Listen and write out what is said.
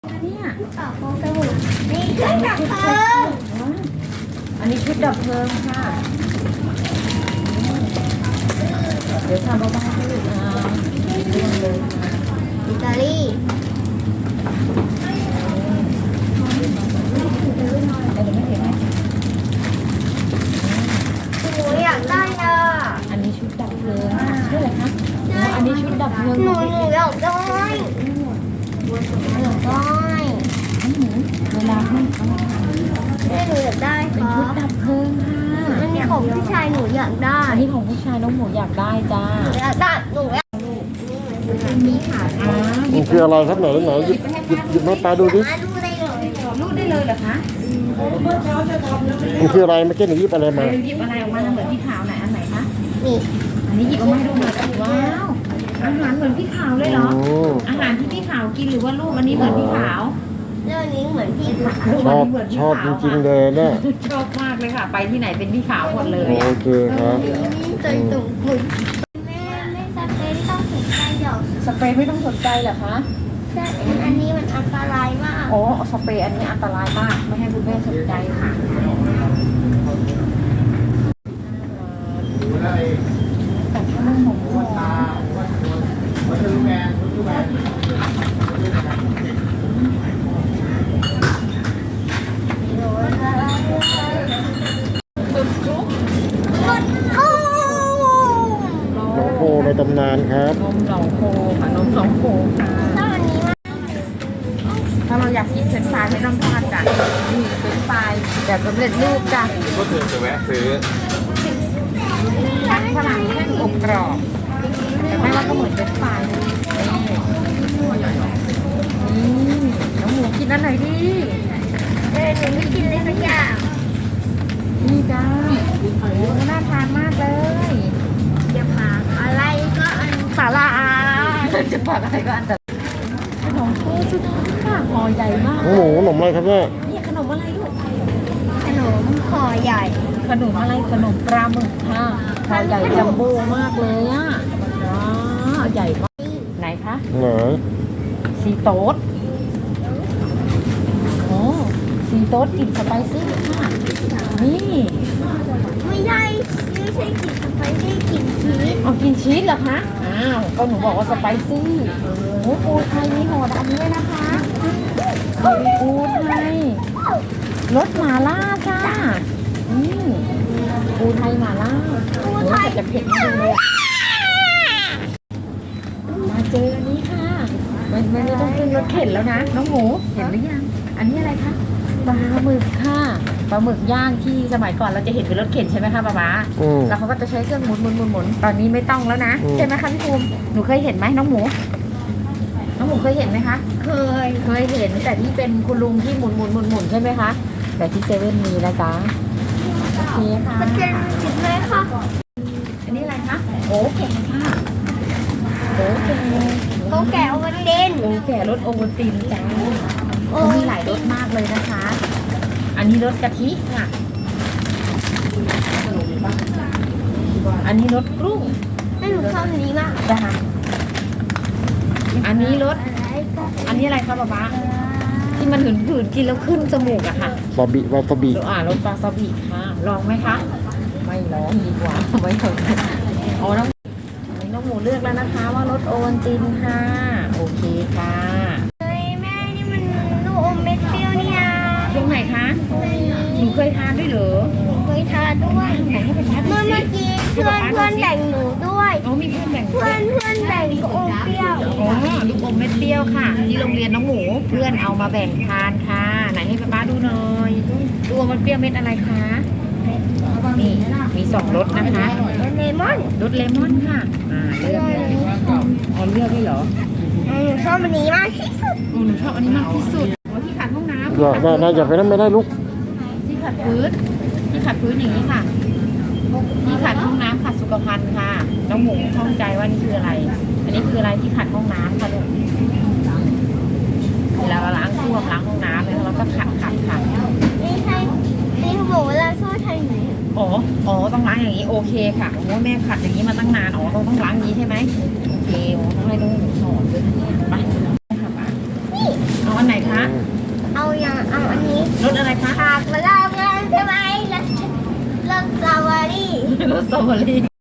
เนี่ยต่อโฟมสบู่นี่เครื่องดับเพลิงอันนี้ชุดดับเพลิงค่ะ เดี๋ยวทำเบาๆให้ลูกเรื่องเลยค่ะอิตาลีหนูอยากได้อ่ะอันนี้ชุดดับเพลิงค่ะชื่ออะไรคะอันนี้ชุดดับเพลิงหนูอยากได้อยากได้เวลาให้แม่หนูอยากได้คเป็นรัชุดบดับเพลิงค่ะอันนี้ของผู้ชายหนูอยากได้อันนี้ของผู้ชายน้องหมูอยากได้จ้าหนูอยากได้หนูอยากนี่ค่ะมันคืออะไรครับไหนหยิบมาตาดูดิมาดูได้เลยรูดได้เลยเหรอคะมันคืออะไรเมื่อกี้หนูหยิบอะไรมาหยิบอะไรออกมาเหมือนพี่ขาวไหนอันไหนคะนี่อันนี้หยิบออกมาให้ดูหน่อยว้าวอาหารเหมือนพี่ขาวเลยเหรอโอ้อาหารที่พี่ขาวกินหรือว่าลูกอันนี้เหมือนพี่ขาวเรื่องนี้เหมือนพี่ค่ะลูกชอันอบนี้เหมือนพี่ชอบขาวจริงๆเลยเนี่ยชอบมากเลยค่ะ ไปที่ไหนเป็นพี่ขาวหมดเลยโอเคครับใจตุ่มหมุนแม่ไม่สเปรย์ที่ต้องสนใจหรอกสเปรย์ไม่ต้องสนใจเหรอคะแต่อันนี้มันอันตรายมากโอ้สเปรย์อันนี้อันตรายมากไม่ให้คุณแม่สนใจค่ะแต่ถ้าไม่หมดหัวหลวงพ่อในตำนานครับนมสองโคค่ะนมสองโคค่ะถ้าอันนี้มันถ้าเราอยากกินเฟรนช์ฟรายไม่ต้องทอดจ้ะนี่เฟรนช์ฟรายแบบสำเร็จรูปจ้ะก็คือจะแวะซื้อทั้งฝรั่งแห้งอบกรอบแต่แม่ว่าก็เหมือนเฟรนช์ฟรายเลยนี่น้องหมูกินอันไหนดีหนูไม่กินเลยสักอย่างนี่จ้าโอ้น่าทานมากเลยจะฝากอะไรก็อันสาระจะฝากอะไรก็อันแต่ขนมโคสุดค่ะห่อใหญ่มากหมูขนมอะไรครับเนี่ยนี่ขนมอะไรลูกขนมห่อใหญ่ขนมอะไรขนมปลาหมึกค่ะห่อใหญ่จัมโบ้มากเลยอ่ะว้าวใหญ่มากไหนคะไหนซีโต๊ดโอ้ซีโต๊ดกลิ่นสไปซี่ค่ะนี่ไม่ใช่กลิ่นสไปซี่กลิ่นชีสเอากินชีสเหรอคะอ้าวก็หนูบอกว่าสไปซี่โอ้ปูไทยมีห่อดำด้วยนะคะปูไทยรสหม่าล่าจ้านี่ปูไทยหม่าล่าโอ้แต่จะเผ็ดมากเลยอะมาเจออันนี้ค่ะไม่ต้องขึ้นรถเข็นแล้วนะน้องหมูเห็นหรือยังอันนี้อะไรคะปลาหมึกค่ะปลาหมึกย่างที่สมัยก่อนเราจะเห็นเป็นรถเข็นใช่ไหมคะป๊าป๊าอืมแล้วเขาก็จะใช้เครื่องหมุนตอนนี้ไม่ต้องแล้วนะอืมใช่ไหมคะพี่ภูมิหนูเคยเห็นไหมน้องหมูเคยเห็นไหมคะเคยเคยเห็นแต่ที่เป็นคุณลุงที่หมุนใช่ไหมคะแต่ที่เซเว่นมีนะจ๊ะโอเคค่ะมันเป็นจิตเลยค่ะอันนี้อะไรคะโอ้แก่ค่ะโอ้แก่เขาแกะเอาไว้เล่นโอ้แก่รสโอวัลตินจ้าโอ้เขามีหลายรสมากเลยนะคะ อันนี้รสกะทิค่ะอันนี้รสกรุ้งให้หนูชอบอันนี้มากจ้ะอันนี้รสอะไรก็อันนี้อะไรคะป๊าป๊าที่มันหืนๆกินแล้วขึ้นจมูกอะค่ะวาบิวาซาบิรสวาซาบิค่ะลองไหมคะไม่ลองดีกว่าไม่ลองเอาน้องหมูเลือกแล้วนะคะว่ารสโอวัลตินค่ะโอเคค่ะเฮ้ยแม่นี่มันลูกอมเม็ดเปรี้ยวนี่นะตรงไหนคะหนูเคยทานด้วยเหรอเคยทานด้วยไหนให้เป็นทานดูเมื่อสิกี้เพื่อนแบ่งหนูด้วยเขามีเพื่อนแบ่งเพื่อนแบ่งลูกอมเปรี้ยวอ๋อลูกอมเม็ดเปรี้ยวค่ะ ที่โรงเรียนน้องหมูเพื่อนเอามาแบ่งทานค่ะไหนให้ป๊าดูหน่อยตัวมันเปรี้ยวเม็ดอะไรคะนี่มีสองรสนะคะเลมอนรสเลมอนค่ะเลือกเลยอ๋อเลือกได้เหรอหนูชอบอันนี้มากที่สุดหนูชอบอันนี้มากที่สุดที่ขัดห้องน้ำน่าจะไปนั่นไม่ได้ลูกที่ขัดพื้นอย่างนี้ค่ะที่ขัดห้องน้ำขัดสุขภัณฑ์ค่ะน้องหมูข้องใจว่านี่คืออะไร อันนี้คืออะไรที่ขัดห้องน้ำค่ะลูกเวลาเราล้างส้วมล้างห้องน้ำแล้วเราก็ขัดไม่ใช่นี่เขาบอกว่าเราชอบทำอย่างนี้อ๋อต้องล้างอย่างนี้โอเคค่ะโอ้แม่ขัดอย่างนี้มาตั้งนานอ๋อต้องล้างอย่างนี้ใช่ไหมโอเคต้องให้น้องหมูสอนด้วยนะเนี่ยไปค่ะป้าเอาอันไหนคะคะเอาอันนี้รสอะไรคะผักมาลองกันใช่ไหมรสสตรอเบอรี่รสสตรอเบอรี่